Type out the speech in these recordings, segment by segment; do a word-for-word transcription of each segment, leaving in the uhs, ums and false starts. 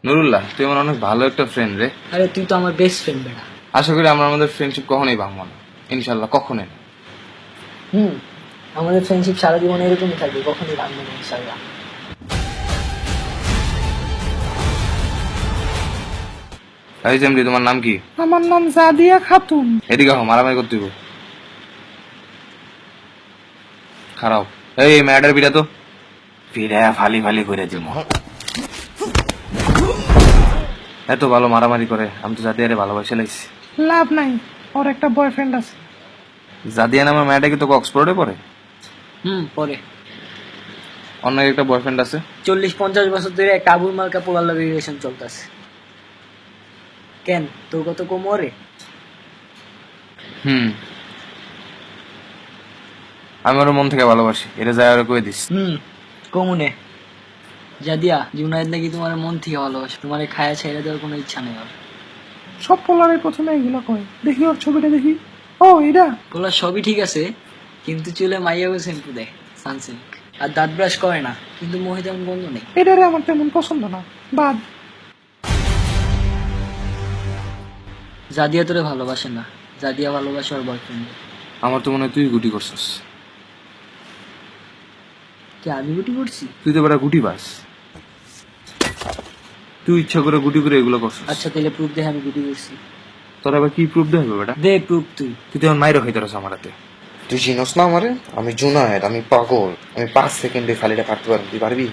নুরুল্লাহ, তুই আমার অনেক ভালো একটা ফ্রেন্ড রে। আরে তুই তো আমার বেস্ট ফ্রেন্ড বেটা। আশা করি আমরা আমাদের ফ্রেন্ডশিপ কখনোই ভাঙবো না, ইনশাল্লাহ কখনোই না। হুম, আমাদের ফ্রেন্ডশিপ সারা জীবন এরকমই থাকবে, কখনোই ভাঙবে না ইনশাআল্লাহ। এই জেমরি, তোমার নাম কি? আমার নাম জাদিয়া খাতুন। এদিকে হো, মারামারি করতে হইব। খারাপ। এই ম্যাডার পিড়া তো পিড়া ফালি ফালি করে দিব। এত ভালো মারামারি করে, আমি তো জাদিয়ারে ভালোবাসে লাইছি। লাভ নাই, ওর একটা বয়ফ্রেন্ড আছে। জাদিয়া নামের মেয়েটা কি তোকে অক্সফোর্ডে পড়ে? হুম, পরে অন্য একটা বয়ফ্রেন্ড আছে। চল্লিশ পঞ্চাশ বছর ধরে একটা আবুল মালকা পোলার লগে রিলেশন চলতেছে। কেন, তোর কত কোমরে? হুম, আমি ওর মন থেকে ভালোবাসি, এটা যায় ওরা কয়ে দিস। হুম, কমুনে জাদিয়া, জুনায়েদ নাকি তোমার মন থেকে ভালোবাসে, তোমার খায়া ছেড়ে দেওয়ার কোনো ইচ্ছা নেই ওর। সব পোলারের প্রথমে এগুলো কয়। দেখি ওর ছবিটা দেখি। ও এটা পোলার সবই ঠিক আছে, কিন্তু চুলে মাইয়াও শ্যাম্পু দেয়, সানসিল্ক, আর দাঁত ব্রাশ করে না, কিন্তু মহি তেমন বন্ধ নেই। এটারে আমার তেমন পছন্দ না, বাদ। জাদিয়া তোরে ভালোবাসে না, জাদিয়া ভালোবাসে ওর বয়ফ্রেন্ড। আমার তো মনে হয় তুই গুটি করছিস। কি আমি গুটি করছি? তুই তো বেটা গুটি বাস, তুই ইচ্ছা করে গুটি করে এগুলো করছিস। আচ্ছা তাহলে প্রুফ দে আমি গুটি করছি। তোর আবার কি প্রুফ দেবে বেটা? দে প্রুফ তুই। তুই তো এখন মাইরো খাইতে রস আমার হাতে। তুই চিনস না আমারে? আমি জুনায়েদ, আমি পাগল, আমি পাঁচ সেকেন্ডে ফালিটা কাটতে পারবো, তুই পারবি?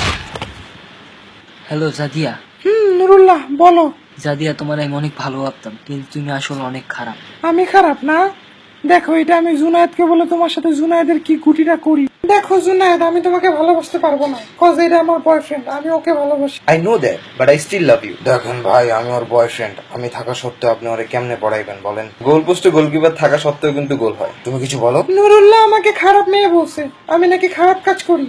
হ্যালো জাদিয়া। হুম, নুরুল্লাহ বলো। জাদিয়া, তোমার আমি অনেক ভালো ভাবতাম, কিন্তু তুমি আসলে অনেক খারাপ। আমি খারাপ না? দেখো, এটা আমি জুনায়েদকে বলে তোমার সাথে জুনায়েদের কি গুটিটা করি। দেখো জুনায়েদ, আমি তোমাকে ভালোবাসতে পারবো না, কজ এটা আমার বয়ফ্রেন্ড, আমি ওকে ভালোবাসি। I know that, but I still love you. দেখেন ভাই, আমি ওর বয়ফ্রেন্ড, আমি থাকা সত্ত্বেও আপনি ওরে কেমনে পড়াইবেন বলেন? গোল পোস্টে গোলকিপার থাকা সত্ত্বেও কিন্তু গোল হয়। তুমি কিছু বলো। নুরুল্লাহ আমাকে খারাপ মেয়ে বলছে, আমি নাকি খারাপ কাজ করি।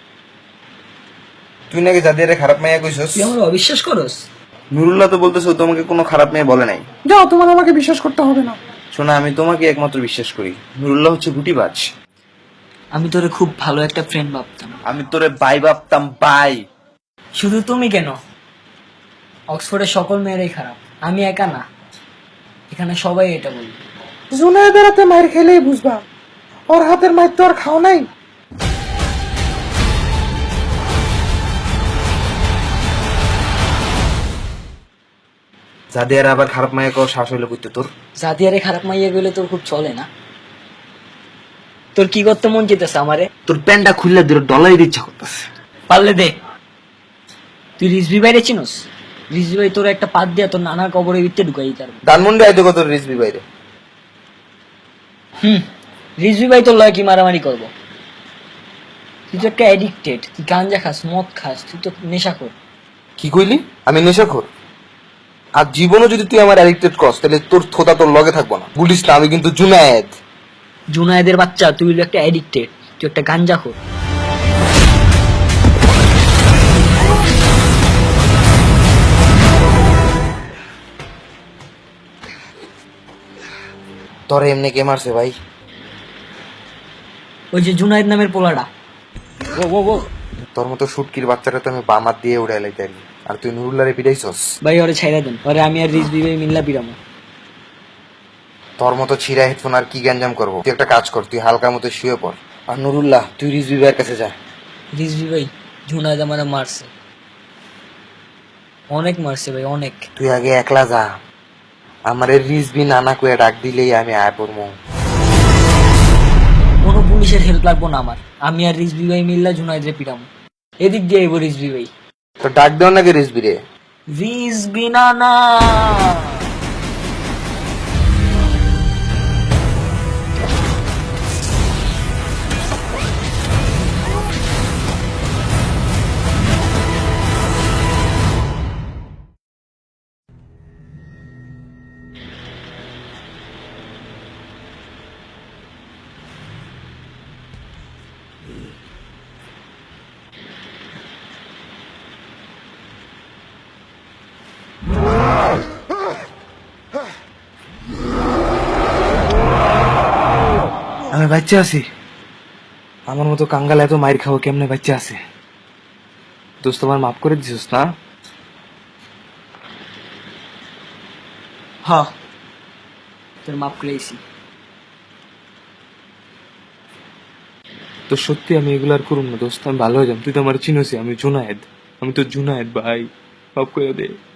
তুই নাকি জাদিয়ারে খারাপ মেয়ে কইছস? তুই আমার অবিশ্বাস করস? নুরুল্লাহ তো বলতেছো তোমাকে কোনো খারাপ মেয়ে বলে নাই। যাও, তোমার আমাকে বিশ্বাস করতে হবে না। শোনা, আমি তোমাকে একমাত্র বিশ্বাস করি। নুরুল্লাহ হচ্ছে গুটিবাজ। আমি তোরে খুব ভালো একটা ফ্রেন্ড ভাবতাম। আমি তোরে বাই ভাবতাম, বাই। শুধু তুমি কেন, অক্সফোর্ডের সকল মেয়েরাই খারাপ, আমি একা না, এখানে সবাই এটা বলবে। জুনায়েদের হাতে মায়ের খেলেই বুঝবা, ওর হাতের মায়ের তো আর খাও নাই। জাদিয়ার আবার খারাপ মেয়ে কও শ্বাস হইলে কইতে তোর। জাদিয়ারে খারাপ মাইয়া গেলে তোর খুব চলে না? তোর কি করতে মন চেতেছে আমারে? তোর প্যান্টটা খুললে দিল ডলারের ইচ্ছা করতেছে। পারলে দে। তুই রিজভি বাইরে চিনস? রিজভি ভাই তোর একটা পাত দিয়া তোর নানার কবরের ভিতরে ঢুকাই দিতে পারবে। ধানমন্ডি আইতো কত রিসবি বাইরে। হুম, রিজভি ভাই তোর লয় কি মারামারি করবো? তুই তো একটা অ্যাডিক্টেড, তুই গাঞ্জা খাস, মদ খাস, তুই তো নেশা কর। কি কইলি? আমি নেশাখোর? আর জীবনও যদি তুই আমার অ্যাডিক্টেড করস, তাহলে তোর থোতা তোর লগে থাকবো না, বলিস না আমি কিন্তু জুনায়েদ। জুনায়েদের বাচ্চা, তুই হলো একটা অ্যাডিক্টেড, তুই একটা গাঞ্জা খোর। তোরে এমনি কে মারছে ভাই? ওই যে জুনায়েদ নামের পোলাটা। ও ও ও তোর মতো শুটকির বাচ্চাটা তো আমি বামাত দিয়ে উড়াই লাইতারি, আর তুই নুরুল্লারে পিটাইছস। ভাই ওরে ছাইরা দেন, ওরে আমি আর রিজভি ভাই মিল্লা পিরামো। তোর মতো ছিঁড়া হেডফোন আর কি গ্যাঞ্জাম করবো? তুই একটা কাজ কর, তুই হালকার মতো শুয়ে পড়। আর নুরুল্লাহ, তুই রিজবি ভাইয়ের কাছে যা। রিজভি ভাই, জুনায়েদ আমারে মারছে, অনেক মারছে ভাই, অনেক। তুই আগে একলা যা, আমার রিজবি নানা কুয়ে ডাক দিলেই আমি আয় পড়বো। কোনো পুলিশের হেল্প লাগবো না আমার, আমি আর রিজভি ভাই মিল্লা জুনায়েদরে পিরামো। এদিক দিয়ে আইবো রিজভি ভাই। তো ডাক দেও নাকি রিজবি রে? রিজভি না না। আমি বাচ্চা আছি? আমার মতো কাঙ্গাল এত মাইর খাবো কেমনে বাচ্চা আছে? দোস্ত আমার মাফ করে দিছিস না? হ তোর মাপ করেছি। তো সত্যি আমি এগুলো আর করুম না দোস্ত, আমি ভালো হয়ে যাম। তুই তো আমার চিনোসি, আমি জুনায়েদ, আমি তো জুনায়েদ ভাই, মাফ করে দে।